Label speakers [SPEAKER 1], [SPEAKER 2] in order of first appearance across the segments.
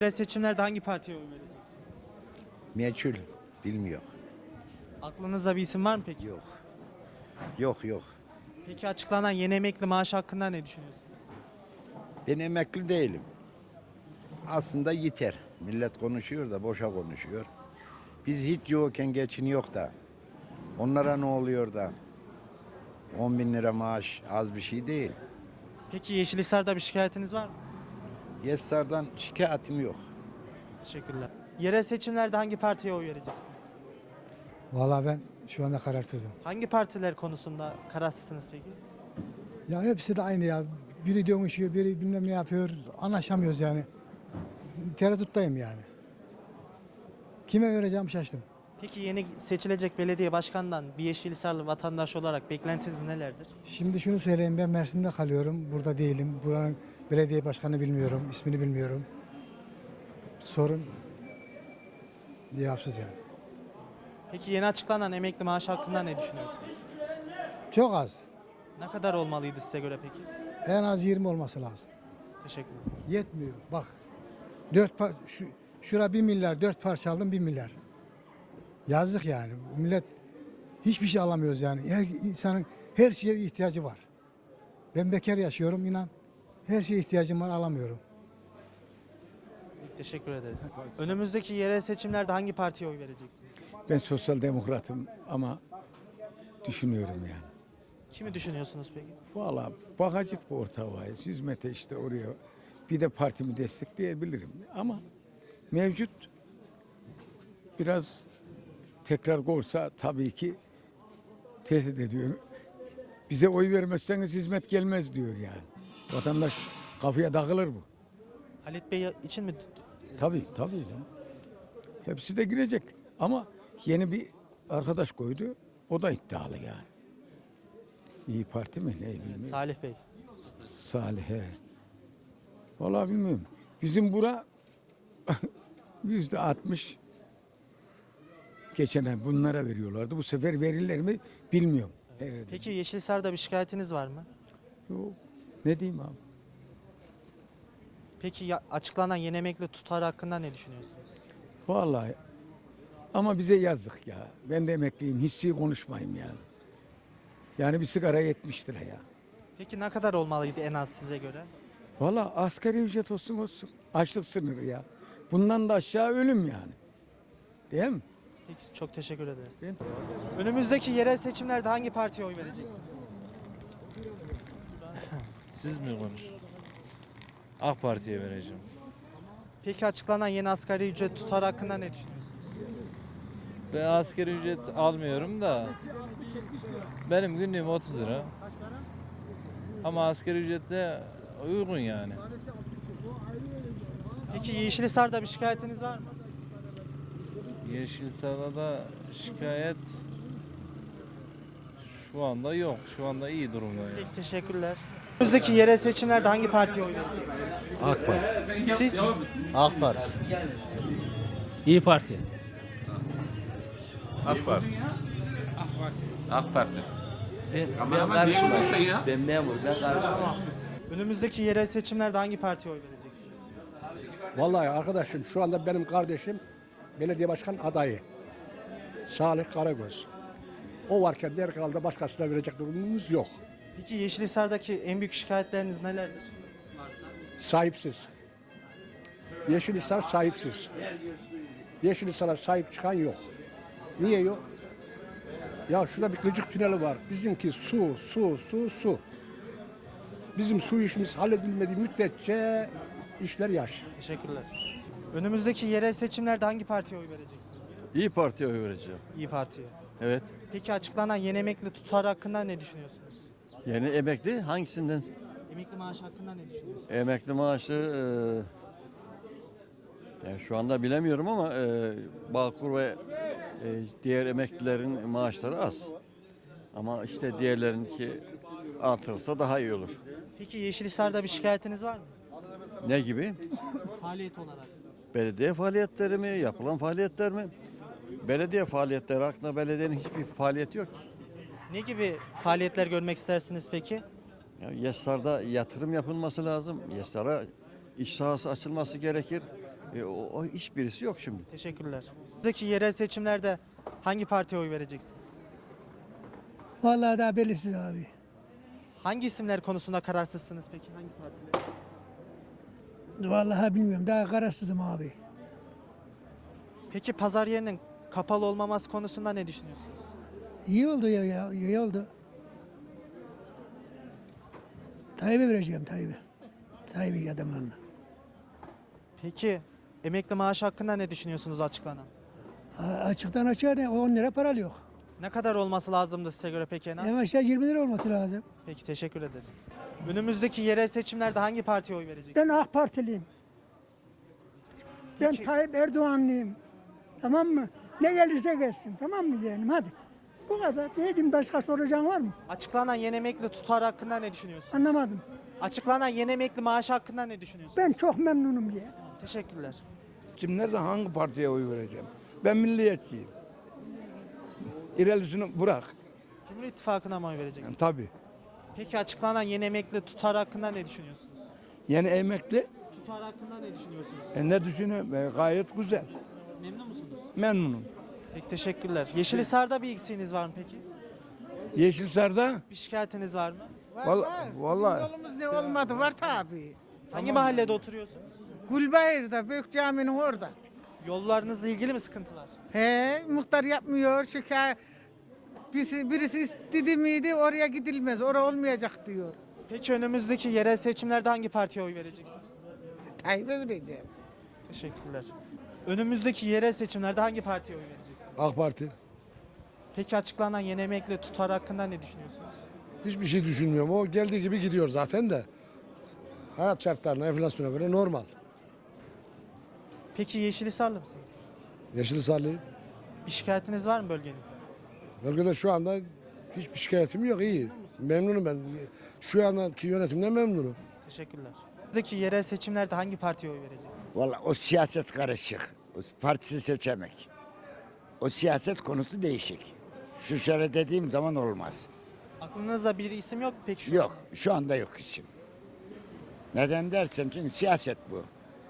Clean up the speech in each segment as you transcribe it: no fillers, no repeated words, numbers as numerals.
[SPEAKER 1] Seçimlerde hangi partiye oy vereceksiniz?
[SPEAKER 2] Meçhul. Bilmiyor.
[SPEAKER 1] Aklınızda bir isim var mı peki?
[SPEAKER 2] Yok. Yok yok.
[SPEAKER 1] Peki açıklanan yeni emekli maaşı hakkında ne düşünüyorsunuz?
[SPEAKER 2] Ben emekli değilim. Aslında yeter. Millet konuşuyor da boşa konuşuyor. Biz hiç yokken geçiniyor da. Onlara ne oluyor da? 10 bin lira maaş az bir şey değil.
[SPEAKER 1] Peki Yeşilhisar'da bir şikayetiniz var mı?
[SPEAKER 2] Yesar'dan şikayetim yok.
[SPEAKER 1] Teşekkürler. Yerel seçimlerde hangi partiye oy vereceksiniz?
[SPEAKER 3] Vallahi ben şu anda kararsızım.
[SPEAKER 1] Hangi partiler konusunda kararsızsınız peki?
[SPEAKER 3] Ya hepsi de aynı ya. Biri dönüşüyor, biri bilmem ne yapıyor. Anlaşamıyoruz yani. Tereddüttayım yani. Kime vereceğim şaştım.
[SPEAKER 1] Peki yeni seçilecek belediye başkanından bir Yeşilhisarlı vatandaş olarak beklentiniz nelerdir?
[SPEAKER 3] Şimdi şunu söyleyeyim, ben Mersin'de kalıyorum. Burada değilim. Buranın belediye başkanı bilmiyorum, ismini bilmiyorum. Sorun cevapsız yani.
[SPEAKER 1] Peki yeni açıklanan emekli maaşı hakkında ne düşünüyorsunuz?
[SPEAKER 3] Çok az.
[SPEAKER 1] Ne kadar olmalıydı size göre peki?
[SPEAKER 3] En az 20 olması lazım.
[SPEAKER 1] Teşekkürler.
[SPEAKER 3] Yetmiyor. Bak. Şura 1 milyar, 4 parça aldım 1 milyar. Yazık yani. Millet hiçbir şey alamıyoruz yani. Her insanın her şeye ihtiyacı var. Ben bekar yaşıyorum inan. Her şeye ihtiyacım var alamıyorum.
[SPEAKER 1] Peki, teşekkür ederiz. Önümüzdeki yerel seçimlerde hangi partiye oy vereceksiniz?
[SPEAKER 4] Ben sosyal demokratım ama düşünüyorum yani.
[SPEAKER 1] Kimi düşünüyorsunuz peki?
[SPEAKER 4] Valla bakacak bu orta havaya, hizmete işte oraya bir de partimi destekleyebilirim. Ama mevcut biraz tekrar olsa tabii ki tehdit ediyor. Bize oy vermezseniz hizmet gelmez diyor yani. Vatandaş kafaya takılır bu.
[SPEAKER 1] Halit Bey için mi?
[SPEAKER 4] Tabii canım. Hepsi de girecek. Ama yeni bir arkadaş koydu. O da iddialı yani. İyi Parti mi ne bilmiyorum.
[SPEAKER 1] Salih Bey.
[SPEAKER 4] Salih'e. Vallahi bilmiyorum. Bizim bura %60 geçen ay bunlara veriyorlardı. Bu sefer verirler mi bilmiyorum. Herhalde.
[SPEAKER 1] Peki Yeşilhisar'da bir şikayetiniz var mı?
[SPEAKER 4] Yok. Ne diyeyim abi?
[SPEAKER 1] Peki açıklanan yeni emekli tutarı hakkında ne düşünüyorsunuz?
[SPEAKER 4] Vallahi ama bize yazık ya. Ben de emekliyim. Hissi konuşmayayım yani. Yani bir sigara 70 lira ya.
[SPEAKER 1] Peki ne kadar olmalıydı en az size göre?
[SPEAKER 4] Vallahi asgari ücret olsun. Açlık sınırı ya. Bundan da aşağı ölüm yani. Değil mi?
[SPEAKER 1] Peki çok teşekkür ederiz.
[SPEAKER 4] Ben-
[SPEAKER 1] Önümüzdeki yerel seçimlerde hangi partiye oy vereceksiniz?
[SPEAKER 5] Siz mi konuş? AK Parti'ye vereceğim.
[SPEAKER 1] Peki açıklanan yeni asgari ücret tutarı hakkında ne düşünüyorsunuz?
[SPEAKER 5] Ben asgari ücret almıyorum da benim günlüğüm 30 lira. Ama asgari ücret de uygun yani.
[SPEAKER 1] Peki Yeşilhisar'da bir şikayetiniz var mı?
[SPEAKER 5] Yeşilsar'da da şikayet şu anda yok. Şu anda iyi durumda yani.
[SPEAKER 1] Peki teşekkürler. Önümüzdeki yerel seçimlerde hangi partiye oy vereceksiniz?
[SPEAKER 2] AK Parti.
[SPEAKER 1] Siz?
[SPEAKER 2] AK Parti.
[SPEAKER 6] İyi Parti.
[SPEAKER 7] AK Parti. AK Parti.
[SPEAKER 6] Ben karışmam. Ben memur, ben karışmam.
[SPEAKER 1] Önümüzdeki yerel seçimlerde hangi partiye oy vereceksiniz?
[SPEAKER 8] Vallahi arkadaşım şu anda benim kardeşim belediye başkan adayı. Salih Karagöz. O varken diğer kanalda başkasına verecek durumumuz yok.
[SPEAKER 1] Peki Yeşilhisar'daki en büyük şikayetleriniz nelerdir?
[SPEAKER 8] Sahipsiz. Yeşilhisar sahipsiz. Yeşilhisar'a sahip çıkan yok. Niye yok? Ya şurada bir gıcık tüneli var. Bizimki su. Bizim su işimiz halledilmediği müddetçe işler yaş.
[SPEAKER 1] Teşekkürler. Önümüzdeki yerel seçimlerde hangi partiye oy vereceksiniz?
[SPEAKER 7] İyi Parti'ye oy vereceğim.
[SPEAKER 1] İyi Parti'ye.
[SPEAKER 7] Evet.
[SPEAKER 1] Peki açıklanan yeni emekli tutarı hakkında ne düşünüyorsunuz?
[SPEAKER 7] Yeni emekli hangisinden?
[SPEAKER 1] Emekli maaşı hakkında ne düşünüyorsunuz?
[SPEAKER 7] Emekli maaşı yani şu anda bilemiyorum ama Bağkur ve diğer emeklilerin maaşları az. Ama işte diğerlerinki artırılsa daha iyi olur.
[SPEAKER 1] Peki Yeşilhisar'da bir şikayetiniz var mı?
[SPEAKER 7] Ne gibi?
[SPEAKER 1] Faaliyet olarak.
[SPEAKER 7] Belediye faaliyetleri mi? Yapılan faaliyetler mi? Belediye faaliyetleri hakkında belediyenin hiçbir faaliyeti yok ki.
[SPEAKER 1] Ne gibi faaliyetler görmek istersiniz peki?
[SPEAKER 7] Ya Yesar'da yatırım yapılması lazım. Yesar'a iş sahası açılması gerekir. O hiçbirisi yok şimdi.
[SPEAKER 1] Teşekkürler. Buradaki yerel seçimlerde hangi partiye oy vereceksiniz?
[SPEAKER 9] Vallahi daha belirsiz abi.
[SPEAKER 1] Hangi isimler konusunda kararsızsınız peki? Hangi partiler?
[SPEAKER 9] Vallahi bilmiyorum. Daha kararsızım abi.
[SPEAKER 1] Peki pazar yerinin kapalı olmaması konusunda ne düşünüyorsunuz?
[SPEAKER 9] İyi oldu ya, iyi oldu. Tayyip'e vereceğim Tayyip'e. Tayyip'in adamlarına.
[SPEAKER 1] Peki emekli maaşı hakkında ne düşünüyorsunuz açıklanan?
[SPEAKER 9] Açıktan açığa ne? 10 lira para yok.
[SPEAKER 1] Ne kadar olması lazımdı size göre peki en az?
[SPEAKER 9] En aşağı 20 lira olması lazım.
[SPEAKER 1] Peki teşekkür ederiz. Önümüzdeki yerel seçimlerde hangi partiye oy vereceksiniz?
[SPEAKER 10] Ben AK Partiliyim. Ben
[SPEAKER 1] Peki.
[SPEAKER 10] Tayyip Erdoğanlıyım. Tamam mı? Ne gelirse gelsin. Tamam mı yeğenim? Hadi. Bu kadar. Ne diyeyim, başka soracağın var mı?
[SPEAKER 1] Açıklanan yeni emekli tutarı hakkında ne düşünüyorsunuz?
[SPEAKER 10] Anlamadım.
[SPEAKER 1] Açıklanan yeni emekli maaşı hakkında ne düşünüyorsunuz?
[SPEAKER 10] Ben çok memnunum diye.
[SPEAKER 1] Teşekkürler.
[SPEAKER 4] Kimlerde hangi partiye oy vereceğim? Ben milliyetçiyim. İrelisini bırak.
[SPEAKER 1] Cumhur İttifakı'na mı oy vereceksiniz?
[SPEAKER 4] Tabii.
[SPEAKER 1] Peki açıklanan yeni emekli tutarı hakkında ne düşünüyorsunuz?
[SPEAKER 4] Yeni emekli
[SPEAKER 1] Tutar hakkında ne düşünüyorsunuz?
[SPEAKER 4] ne düşünüyorum? Gayet güzel.
[SPEAKER 1] Memnun musunuz?
[SPEAKER 4] Memnunum.
[SPEAKER 1] Peki teşekkürler. Yeşilhisar'da bir eksiğiniz var mı peki?
[SPEAKER 4] Yeşilsar'da
[SPEAKER 1] Bir şikayetiniz var mı?
[SPEAKER 4] vallahi
[SPEAKER 11] Yolumuz ne olmadı var tabii.
[SPEAKER 1] Hangi mahallede oturuyorsunuz?
[SPEAKER 11] Gülbayır'da, Büyük Cami'nin orada.
[SPEAKER 1] Yollarınızla ilgili mi sıkıntılar?
[SPEAKER 11] He, muhtar yapmıyor, şikayet. Birisi istedi miydi oraya gidilmez, oraya olmayacak diyor.
[SPEAKER 1] Peki önümüzdeki yerel seçimlerde hangi partiye oy vereceksiniz?
[SPEAKER 11] Tayyip'e vereceğim.
[SPEAKER 1] Teşekkürler. Önümüzdeki yerel seçimlerde hangi partiye oy vereceksiniz?
[SPEAKER 12] AK Parti.
[SPEAKER 1] Peki açıklanan yeni emekli tutar hakkında ne düşünüyorsunuz?
[SPEAKER 12] Hiçbir şey düşünmüyorum. O geldiği gibi gidiyor zaten de. Hayat şartlarına, enflasyona göre normal.
[SPEAKER 1] Peki Yeşilhisarlı mısınız?
[SPEAKER 12] Yeşilhisarlıyım.
[SPEAKER 1] Bir şikayetiniz var mı bölgenizde?
[SPEAKER 12] Bölgede şu anda hiçbir şikayetim yok. İyi. Memnunum ben. Şu andaki yönetimden memnunum.
[SPEAKER 1] Teşekkürler. Önümüzdeki yerel seçimlerde hangi partiye oy vereceksiniz?
[SPEAKER 2] Valla o siyaset karışık. O partisi seçemek. O siyaset konusu değişik. Şu şöyle dediğim zaman olmaz.
[SPEAKER 1] Aklınızda bir isim yok mu peki şu
[SPEAKER 2] Yok.
[SPEAKER 1] anda?
[SPEAKER 2] Şu anda yok isim. Neden dersen çünkü siyaset bu.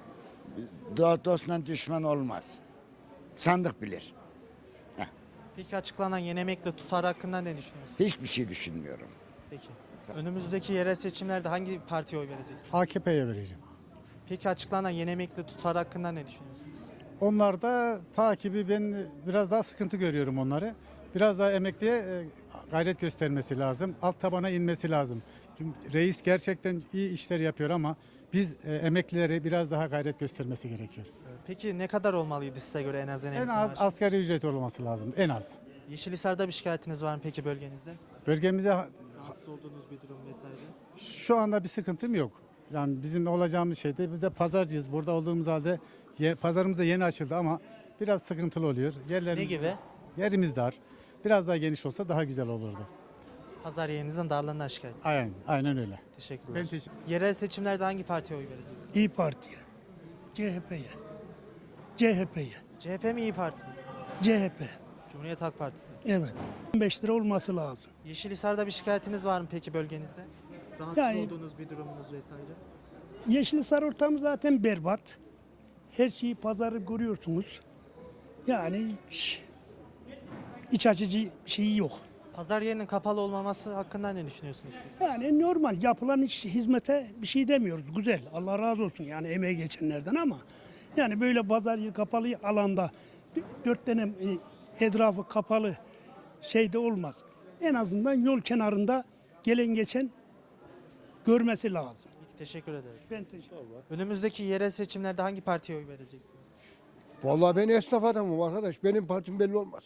[SPEAKER 2] Dostla düşman olmaz. Sandık bilir.
[SPEAKER 1] Peki açıklanan yeni emekli tutar hakkında ne düşünüyorsunuz?
[SPEAKER 2] Hiçbir şey düşünmüyorum.
[SPEAKER 1] Peki. Önümüzdeki yerel seçimlerde hangi partiye oy vereceksiniz?
[SPEAKER 3] AKP'ye vereceğim.
[SPEAKER 1] Peki açıklanan yeni emekli tutar hakkında ne düşünüyorsunuz?
[SPEAKER 3] Onlarda takibi ben biraz daha sıkıntı görüyorum onları. Biraz daha emekliye gayret göstermesi lazım. Alt tabana inmesi lazım. Çünkü reis gerçekten iyi işler yapıyor ama biz emeklilere biraz daha gayret göstermesi gerekiyor.
[SPEAKER 1] Peki ne kadar olmalıydı size göre en az
[SPEAKER 3] En
[SPEAKER 1] emekli
[SPEAKER 3] az
[SPEAKER 1] maaşı?
[SPEAKER 3] asgari ücret olması lazım. En az.
[SPEAKER 1] Yeşilhisar'da bir şikayetiniz var mı peki bölgenizde?
[SPEAKER 3] Bölgemize
[SPEAKER 1] Rahatsız olduğunuz bir durum vesaire.
[SPEAKER 3] şu anda bir sıkıntım yok. Yani bizim olacağımız şeyde biz de pazarcıyız. Burada olduğumuz halde pazarımız da yeni açıldı ama biraz sıkıntılı oluyor.
[SPEAKER 1] Ne gibi?
[SPEAKER 3] Yerimiz dar. Biraz daha geniş olsa daha güzel olurdu.
[SPEAKER 1] Pazar yerinizin darlığından şikayet.
[SPEAKER 3] Aynen öyle.
[SPEAKER 1] Teşekkürler.
[SPEAKER 3] Ben teşekkür
[SPEAKER 1] Yerel seçimlerde hangi partiye oy vereceksiniz?
[SPEAKER 10] İyi Parti'ye. CHP'ye. CHP'ye.
[SPEAKER 1] CHP mi İyi Parti mi?
[SPEAKER 10] CHP.
[SPEAKER 1] Cumhuriyet Halk Partisi.
[SPEAKER 10] Evet. 15 lira olması lazım.
[SPEAKER 1] Yeşilhisar'da bir şikayetiniz var mı peki bölgenizde? Rahatsız
[SPEAKER 10] Yani-
[SPEAKER 1] olduğunuz bir durumunuz vesaire.
[SPEAKER 10] Yeşilhisar ortamı zaten berbat. Her şeyi pazarı görüyorsunuz. Yani iç açıcı şeyi yok.
[SPEAKER 1] Pazar yerinin kapalı olmaması hakkında ne düşünüyorsunuz?
[SPEAKER 10] Yani normal yapılan iş hizmete bir şey demiyoruz. Güzel. Allah razı olsun yani emeği geçenlerden ama yani böyle pazar yeri kapalı alanda 4 tane etrafı kapalı şeyde olmaz. En azından yol kenarında gelen geçen görmesi lazım.
[SPEAKER 1] Peki, teşekkür ederiz.
[SPEAKER 10] Ben teşekkür ederim.
[SPEAKER 1] Önümüzdeki yerel seçimlerde hangi partiye oy vereceksiniz?
[SPEAKER 12] Vallahi ben esnaf adamım arkadaş. Benim partim belli olmaz.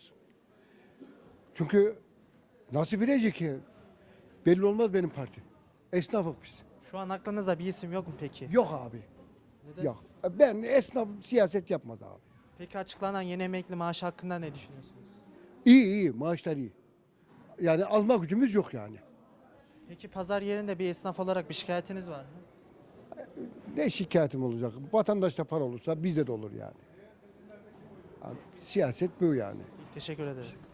[SPEAKER 12] Çünkü nasıl bilecek ki? Belli olmaz benim parti. Esnafız biz.
[SPEAKER 1] Şu an aklınızda bir isim yok mu peki?
[SPEAKER 12] Yok abi.
[SPEAKER 1] Neden?
[SPEAKER 12] Yok. Ben esnaf siyaset yapmaz abi.
[SPEAKER 1] Peki açıklanan yeni emekli maaşı hakkında ne düşünüyorsunuz?
[SPEAKER 12] İyi maaşlar iyi. Yani alma gücümüz yok yani.
[SPEAKER 1] Peki pazar yerinde bir esnaf olarak bir şikayetiniz var mı?
[SPEAKER 12] Ne şikayetim olacak? Vatandaşta para olursa bizde de olur yani. Abi, siyaset bu yani.
[SPEAKER 1] Teşekkür ederiz.